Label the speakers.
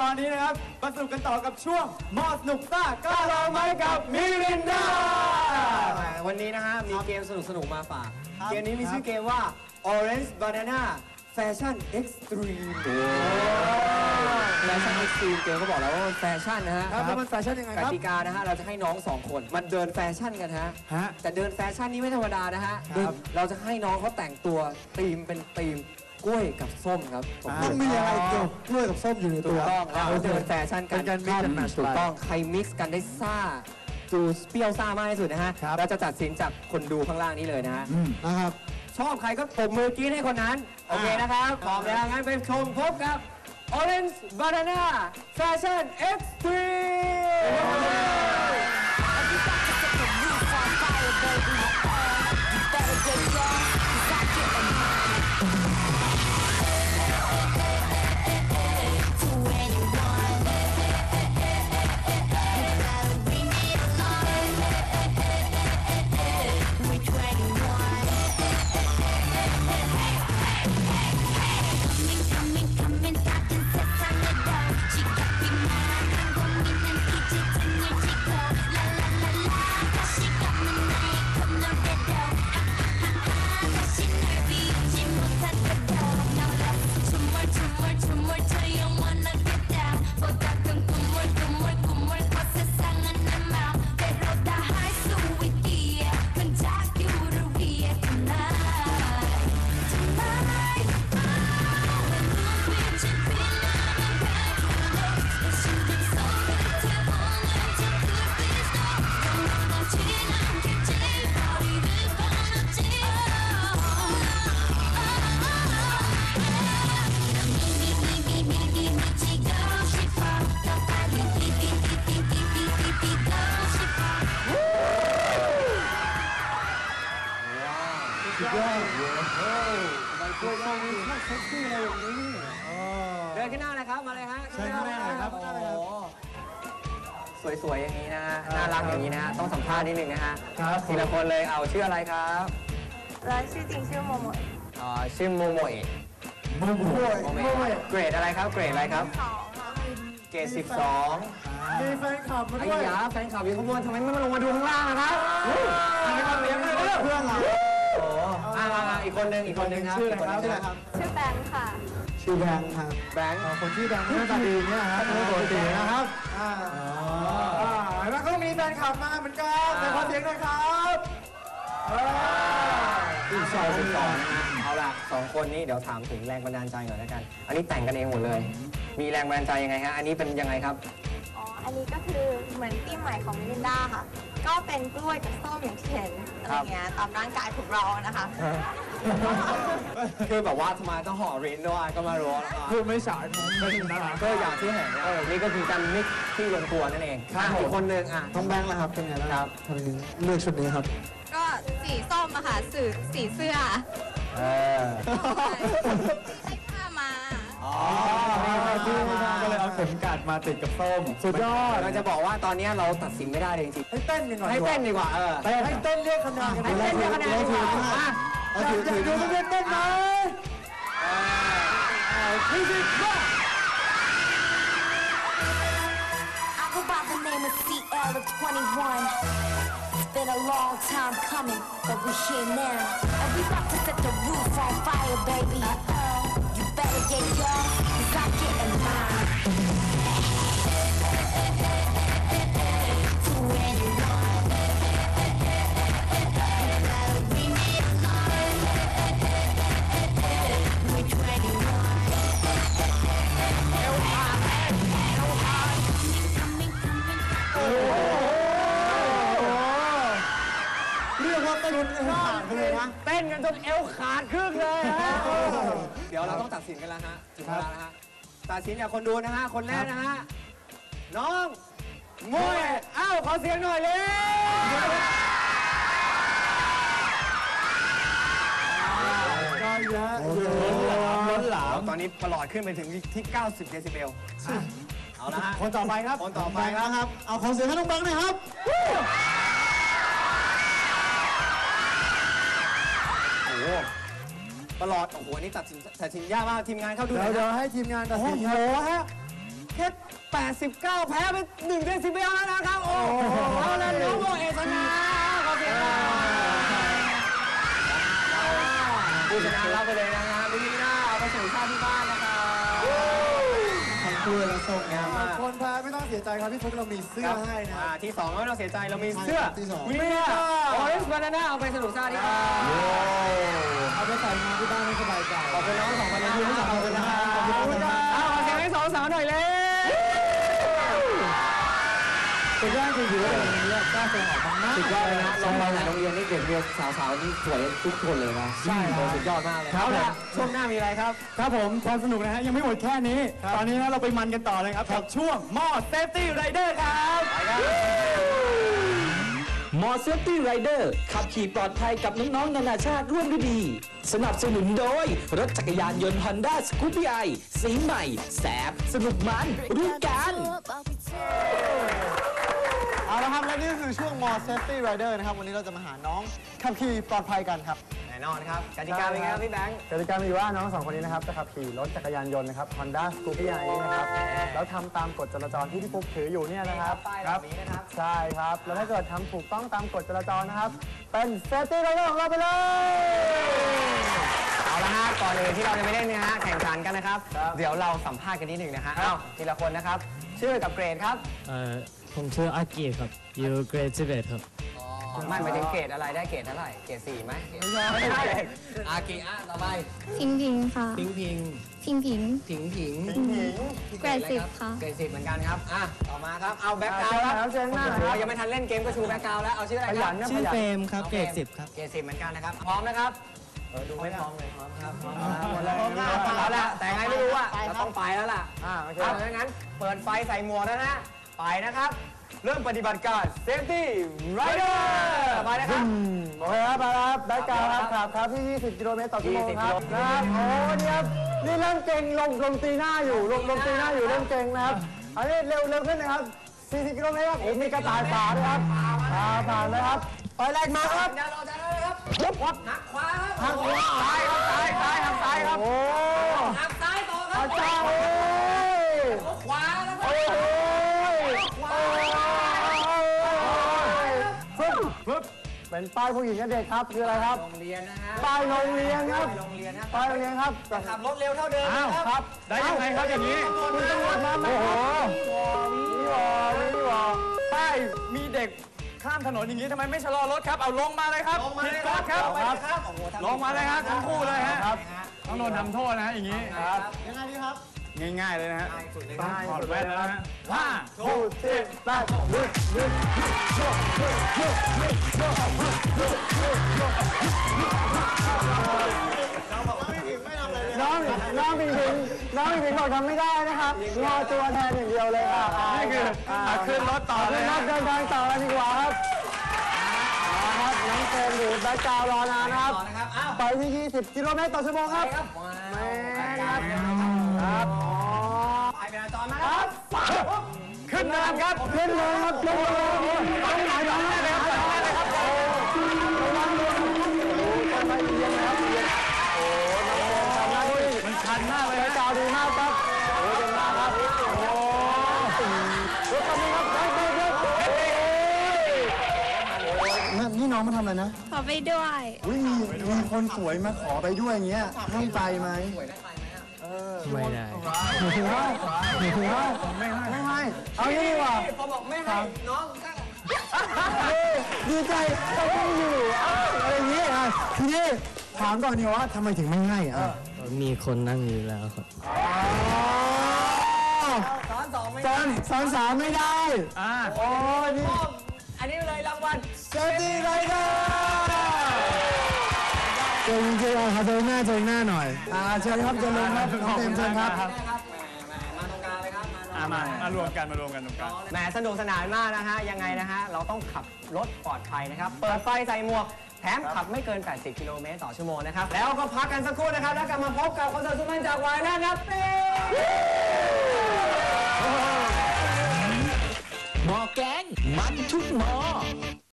Speaker 1: อนนี้นะครับมาสนุกกันต่อกับช่วงมอสนุกซ่ากล้าลองไหมกับมิรินดาวันนี้นะฮะมีเกมสนุกมาฝากเกมนี้มีชื่อเกมว่า Orange Banana Fashion Extreme แฟชั่น Extreme เกมเขาบอกแล้วว่าแฟชั่นนะฮะ
Speaker 2: แล้วมันแฟชั่นยังไงครับ
Speaker 1: กติกานะฮะเราจะให้น้อง2คนมันเดินแฟชั่นกันฮะแต่เดินแฟชั่นนี้ไม่ธรรมดานะฮะเราจะให้น้องเขาแต่งตัวธีมเป็นธีมกล้วยกับส้มครับ
Speaker 2: ต้องมีอะไรเกี่ยวกล้วยกับส้มอยู่ในตัว
Speaker 1: ถูกต้องเราเดินแฟชั่นกันถูกต้องใครมิกซ์กันได้ซ่าดูเปรี้ยวซ่ามากที่สุดนะฮะเราจะตัดสินจากคนดูข้างล่างนี้เลยนะฮะ
Speaker 2: นะครับ
Speaker 1: ชอบใครก็ปรบมือกรี๊ดให้คนนั้นโอเคนะครับพร้อมแล้วงั้นไปชมพบกับ Orange Banana Fashion Extremeเดินขึ้นหน้าเลยครับมาเลยฮะ
Speaker 2: เชิญข้างหน้าเลยครับ
Speaker 1: สวยๆอย่างนี้นะฮะน่ารักอย่างนี้นะฮะต้องสัมภาษณ์นิดนึงนะฮะ
Speaker 2: ครับ
Speaker 1: ทีละคนเลยเอาชื่ออะไรครับ
Speaker 3: ชื่อจริงชื่อโมโมะ
Speaker 1: ชื่อโมโมะ
Speaker 2: โมโมะ
Speaker 1: เกรดอะไรครับเกรดอะไรครับเกรด12
Speaker 2: มีแฟนคลับมา
Speaker 1: ไอ้
Speaker 2: ด้วย
Speaker 1: ยาแฟนคลับอยู่ข้างบนทำไมไม่มาลงมาดูข้างล่างนะครับอันนี้ก็เลี้ยงเลย
Speaker 2: เพื่อนเรา
Speaker 1: โอ้อีกคนนึงครับ
Speaker 2: ชื่ออะไรครับ
Speaker 3: ชื่อแบงค์ค่ะ
Speaker 2: ชื่อแบงค์ครับ
Speaker 1: แบงค์
Speaker 2: คนชื่อแบงค์หน้าตาดีเนี่ยครับปกตินะครับแล้วก็มีแฟนคลับมาเหมือนกันแต่ขอเสียงหน่อยครับ
Speaker 1: อีก2เอาล่ะ2คนนี้เดี๋ยวถามถึงแรงบันดาลใจหน่อยแล้วกันอันนี้แต่งกันเองหมดเลยมีแรงบันดาลใจยังไงฮะอันนี้เป็นยังไงครับ
Speaker 3: อันนี้ก็คือเหมือนธีมใหม่ของมิรินดาค่ะก็เป็นกล้วยกับส้มอย่างที่เห็นอะไรเงี้ยตามร่างกายของเรานะคะ
Speaker 1: คือแบบว่าทำไมต้องห่อรินด้วยก็มารู้แล้ว
Speaker 2: พูดไม่สายไม่ถึงนะ
Speaker 1: ก็อย่างที่เห็นนี่ก็คือการมิกซ์ที่ลงตัวนั่นเองอีกคนนึง
Speaker 2: ต้องแบงค์นะครับเป็นไงครับทำไมเลือกชุดนี้ครับ
Speaker 3: ก็สีส้มอะค่ะสื่อสีเสื้อใช้ผ้ามา
Speaker 2: ก็เลยเอาเข็มกัดมาติดกับส้มสุดยอด
Speaker 1: เราจะบอกว่าตอนนี้เราตัดสินไม่ได้เลยจริง
Speaker 2: ๆให้เต้นกันก่อน
Speaker 1: ให้เต้นดีกว่า
Speaker 2: ให้เต้นเรียกคะแนนกัน
Speaker 1: ให้เต้นเรียกคะแนนดีกว่า
Speaker 2: อยากดูเต้นเต้นไหมมิวสิกมา
Speaker 4: I go by the name of CL of 21. It's been a long time coming, but we're here now. And we about to set the roof on fire, baby. You better get yours, 'cause I'm getting mine. To anyone. We need love. We're 21.
Speaker 2: เรียกว่าเต้นจนเอวขาดเลยนะ
Speaker 1: เต้นกันจนเอวขาดครึ่งเลยเดี๋ยวเราต้องตัดสินกันแล้วฮะถึงเวลาแล้วฮะตัดสินจากคนดูนะฮะคนแรกนะฮะน้องมวยขอเสียงหน่อยเลย
Speaker 2: ก็เยอะ
Speaker 1: ล้นหลามตอนนี้ประหลอดขึ้นไปถึงที่90เดซิเบลเอาละฮะ
Speaker 2: คนต่อไปครับ
Speaker 1: คนต่อไปครับ
Speaker 2: เอาขอเสียงให้น้องแบงค์หน่อยครับ
Speaker 1: ประหลอดโอ้โหนี่ตัดสินยากมากทีมงานเข้าดู
Speaker 2: เดี๋ยวให้ทีมงานตัดสิน
Speaker 1: โอ้โหฮะแค่89 แพ้ไป1 เดซิเบลแล้วนะครับ โอ้โหเอาละน้องโบเอชนะขอบคุณครับผู้ชนะรับไปเลยนะฮะมิลินดาเอาไปส่งข้าวที่บ้านนะครับทั้งกล้วยและส้มงามมาก
Speaker 2: คนแพ้ไม่ต้องเสียใจครับพี่ฟุกเรามีเสื้อให้นะ
Speaker 1: ที่2ไม่ต้องเสียใจเรามีเสื้อ
Speaker 2: ที่สอง
Speaker 1: วินเนอร์ออเรนจ์บานาน่าเอาไปสนุกซ่าที่บ้าน
Speaker 2: เอาไปใส่งานที่บ้านให้สบายใจ
Speaker 1: ขอบคุณน้องสองคนนะขอบคุณนะครับขอบคุณครับขอเสียงให้สองสาวหน่อยเลย
Speaker 2: เป็นร่างจริงๆเลยวันนี้กล้าแสดงออกมาก
Speaker 1: สุดยอดเลยนะลองมาหลายโรงเรียนนี่เด็กเรียนสาวๆนี่สวยทุกคนเลยนะใช่สุดยอดมากเลยเอาละช่วงหน้ามีอะไรครับ
Speaker 2: ครับผมความสนุกนะฮะยังไม่หมดแค่นี้ ตอนนี้นะเราไปมันกันต่อเลยครับกับช่วงมอดเซฟตี้ไรเดอร์ครับ
Speaker 5: มอเซฟตี้ไรเดอร์ขับขี่ปลอดภัยกับน้องๆนานาชาติร่วมด้วยดี สนับสนุนโดย รถจักรยานยนต์ Honda Scoopy i สีใหม่แสบสนุกมันรู้กัน
Speaker 2: เอาละครับและนี่ก็คือช่วงมอดเซฟตี้ไรเดอร์นะครับวันนี้เราจะมาหาน้องขับขี่ปลอดภัยกันครับ
Speaker 1: แน่นอนครับกติกาเป็นไงครับพี่แบงค์
Speaker 2: กติกามีว่าน้องสองคนนี้นะครับจะขับขี่รถจักรยานยนต์นะครับ Honda Scoopy i นะครับแล้วทำตามกฎจราจรที่พี่ฟุกถืออยู่เนี่ยนะครับ
Speaker 1: ป้ายแบบนี้นะครับ
Speaker 2: ใช่ครับ แล้วถ้าเกิดทำถูกต้องตามกฎจราจรนะครับ เป็นเซฟตี้ไรเดอร์ของเราไปเลย
Speaker 1: เอาละฮะก่อนอื่นที่เราจะไปเล่นนะฮะแข่งขันกันนะครับ เดี๋ยวเราสัมภาษณ์กันนิดหนึ่งนะฮะเอาทีละคนนะครับ ชื่อกับเกรดครับ
Speaker 6: ผมชื่ออากิครับอยู่เกรด11ครับ
Speaker 1: ไม่หมายถึงเกรดอะไรได้เกรดเท่าไหร่เกรด4ไหมไม่ใช่อากิอ่ะต่อไป
Speaker 7: พิงพิงค่ะ
Speaker 1: พิงพิง
Speaker 7: พิงพิง
Speaker 1: ผิงผิง
Speaker 7: เกรด10 ค่ะ
Speaker 1: เกรด10เหมือนกันครับอ่ะต่อมาครับเอาแบ็คกราวด์ครับ
Speaker 2: เชิญหน้าครับ
Speaker 1: เรายังไม่ทันเล่นเกมก็ชูแบ็คกราวด์แล้วเอาชื่ออะไรครับ
Speaker 6: ชื่อเฟรมครับเกรด10 ครับ
Speaker 1: เกรด10เหมือนกันนะครับพร้อมนะครับดูไม่พร้อมเลยพร้อมครับพร้อมหมดเลย
Speaker 2: พร้อมครับ
Speaker 1: เอาละแต่ไงไม่รู้อ่ะ
Speaker 2: ไปครับ
Speaker 1: เราต้องไปแล้วล่ะ
Speaker 2: โอเค
Speaker 1: เอาดังนั้นเปิดไฟใส่หมวกแล้วนะไปนะครับเริ่มปฏิบัติการ Safety Rider ไปนะครับ
Speaker 2: โอเคครับมาครับแบ็คกราวด์ครับขับครับที่ 20 กิโลเมตรต่อชั่วโมง
Speaker 1: 20
Speaker 2: ครับนะครับโอ้เนี่ยครับนี่เริ่มเก่งลงตีหน้าอยู่ลงตีหน้าอยู่เริ่มเก่งนะครับอันนี้เร็วขึ้นนะครับ 40 กิโลเมตรครับโอ้มีกระต่ายป่าด้วยครับผ่านเลยครับไปแรกมาครับ
Speaker 1: อย่ารอใจเลยครับวัดหักขวาครับ
Speaker 2: ทางขวาซ้ายครับซ้ายทางซ้ายครับโอ้
Speaker 1: หักซ้ายต่อครั
Speaker 2: อา
Speaker 1: บ
Speaker 2: จารย์โอ้ย
Speaker 1: ขวาแล้วครั
Speaker 2: โอ้
Speaker 1: บ
Speaker 2: ยปึ๊บเป็นป้ายผู้หญิงกับเด็กครับคืออะไรครับ
Speaker 1: โรงเรียนนะฮะ
Speaker 2: ป้ายโรงเรียนครับ
Speaker 1: โรงเรียนนะ
Speaker 2: ป้ายโรงเรียนครับ
Speaker 1: ขับรถเร็วเท่าเดิมนะครับ
Speaker 2: ครับได้ยังไงครับอย่างนี้คุณตำรวจมาไหมครับนี่หว่าป้ายมีเด็กข้ามถนนอย่างนี้ทำไมไม่ชะลอรถครับเอาลงมาเลยครับ
Speaker 1: ลงมาเลย
Speaker 2: ผิด
Speaker 1: ค
Speaker 2: ก
Speaker 1: รับ
Speaker 2: ฎครับ
Speaker 1: ครับโอ้โห
Speaker 2: ลงมาเลยครับทั้งคู่เลยฮะต้องโดนทำโทษนะฮะอย่างนี้ครับยังไงดีครับง่ายๆเลยนะฮะ
Speaker 1: ง่ายสุดเลยค
Speaker 2: ต้
Speaker 1: รั
Speaker 2: อง
Speaker 1: บ
Speaker 2: ถอดแว่นแล้วนะฮะ5 6 7 8ลึกน้องผิงบอกทำไม่ได้นะครับงอตัวแทนอย่างเดียวเลยค่ะนี่คือขึ้นรถต่อเลยครับเดินทางต่อกันดีกว่าครับครับน้องเฟรมหรือแบ็คกราวด์รอนานนะครับ
Speaker 1: ต่อนะครับอ้าว
Speaker 2: ไปที่ 20 กิโลเมตรต่อชั่วโมงครับ
Speaker 1: ครับ
Speaker 2: แม่ครับครับ
Speaker 1: ไปเวลาจอมาครับ
Speaker 2: ขึ้นเนินครับขึ้นเนินครับลงต้องไหนลงได้เลยครับลงได้เลยครับโอ้ระวังด้วยต้นไม้เอียงนะครับเอียงโอ้น้องเฟรมทำหน้าที่มันชันมากเลยแบ็คกราวด์ดีมากครับโอ้เก่งมากครับโอ้รถคันนี้ครับไปนี่น้องมาทำอะไรนะ
Speaker 7: ขอไปด้วย
Speaker 2: อุ้ยมีคนสวยมาขอไปด้วยอย่างเงี้ยให้ไปไหม
Speaker 6: ไม่ได้
Speaker 2: ไม่ให้เอางี้ดีกว่า
Speaker 1: พอบอกไม่ให้น้องก็
Speaker 2: ดีใจก็ไม่อยู่อะไรอย่างงี้อ่ะทีนี้ถามก่อนดีว่าทำไมถึงไม่ให้อ่ะ
Speaker 6: มีคนนั่งอยู่แล้วครับ
Speaker 1: สอนสองไม่
Speaker 2: สอนสามไม่ได้โอ้ยนี่
Speaker 1: อันนี้เลยรางวัล
Speaker 2: เซฟตี้ไรเดอร์เจอจริงๆครับเจอหน้าหน่อยเชิญครับเจอลงครับเต็มเชิญครับ
Speaker 1: นะครับแหมมาตรงกลางเลยครับ
Speaker 2: มารวมกันตรงกลาง
Speaker 1: แหมสนุกสนานมากนะฮะยังไงนะฮะเราต้องขับรถปลอดภัยนะครับเปิดไฟใส่หมวกแถมขับไม่เกิน 80 กิโลเมตรต่อชั่วโมงนะครับแล้วก็พักกันสักครู่นะครับแล้วกลับมาพบกับคอนเสิร์ตสุดมันจากวายแลนด์ครับ
Speaker 5: หมอแกงมันทุกหมอ